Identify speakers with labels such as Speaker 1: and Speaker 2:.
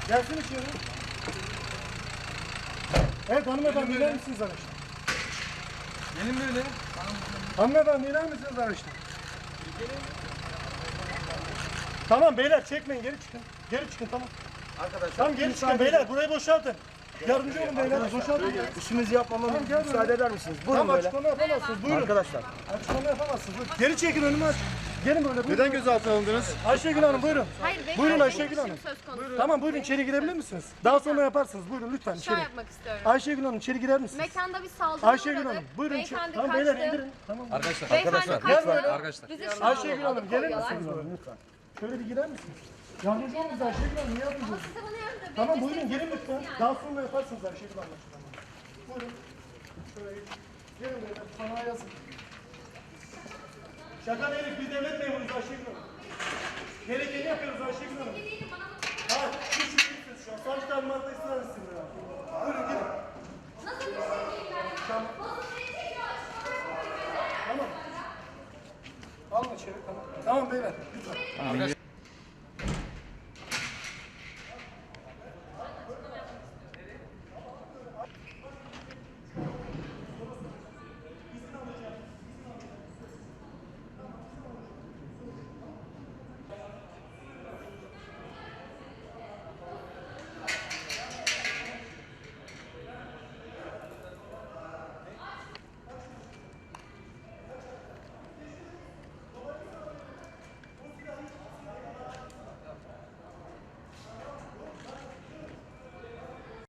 Speaker 1: Gelsin içeri. Evet hanımefendi iner misiniz araçtan?
Speaker 2: Gelin böyle.
Speaker 1: Hanımefendi iner misiniz araçtan? Tamam beyler çekmeyin geri çıkın. Geri çıkın tamam.
Speaker 2: Arkadaşlar.
Speaker 1: Tamam geri çıkın beyler burayı boşaltın. Yardımcı olun beyler boşaltın.
Speaker 2: İşimizi yapmamamıza müsaade eder misiniz? Buyurun
Speaker 1: Tamam
Speaker 2: böyle.
Speaker 1: açıklama yapamazsınız buyurun.
Speaker 2: Arkadaşlar.
Speaker 1: Açıklama yapamazsınız buyurun. Geri çekin önümü aç. Gelin böyle buyurun.
Speaker 3: Neden gözaltına alındınız?
Speaker 1: Ayşegül Hanım buyurun.
Speaker 4: Hayır, benim
Speaker 1: Buyurun
Speaker 4: benim
Speaker 1: Ayşegül
Speaker 4: işim
Speaker 1: Hanım.
Speaker 4: söz konusu.
Speaker 1: Tamam buyurun içeri girebilir misiniz? Daha sonra yaparsınız. Buyurun lütfen
Speaker 4: Şov
Speaker 1: içeri.
Speaker 4: yapmak istiyorum.
Speaker 1: Ayşegül Hanım içeri girer misiniz?
Speaker 4: Mekanda bir saldırı
Speaker 1: Ayşegül
Speaker 4: uğradık.
Speaker 1: Hanım buyurun içeri.
Speaker 4: Beyefendi
Speaker 1: Tamam
Speaker 4: kaçtı.
Speaker 1: beyler indirin. Tamam.
Speaker 2: Arkadaşlar.
Speaker 4: Beyefendi kaçtı.
Speaker 2: Arkadaşlar.
Speaker 4: Bizi şu an
Speaker 1: Ayşegül Hanım gelir
Speaker 4: alıkoyuyorlar.
Speaker 1: misiniz? Lütfen. Şöyle bir girer misiniz? Yardımcı olun bize Ayşegül Hanım. Niye yardımcı olun?
Speaker 4: Siz de bana yardım edin.
Speaker 1: Tamam buyurun gelin lütfen. Daha sonra yaparsınız Ayşegül Hanım. Buyurun. Şöyle gelin beyler. Sana yazın. Şaka değil biz devlet memuruyuz Ayşegül Hanım. Gerekeni yapıyoruz Ayşegül Hanım. Hayır, hiç yükümsüz şu an. Sadece talimatla ısrar etsinler abi. Buyurun gidin.
Speaker 4: Nasıl bir şey değil yani?
Speaker 1: Tamam.
Speaker 4: Nasıl bir şey çekiyor?
Speaker 1: Tamam. Alın içeri tamam. Tamam beyler. Lütfen.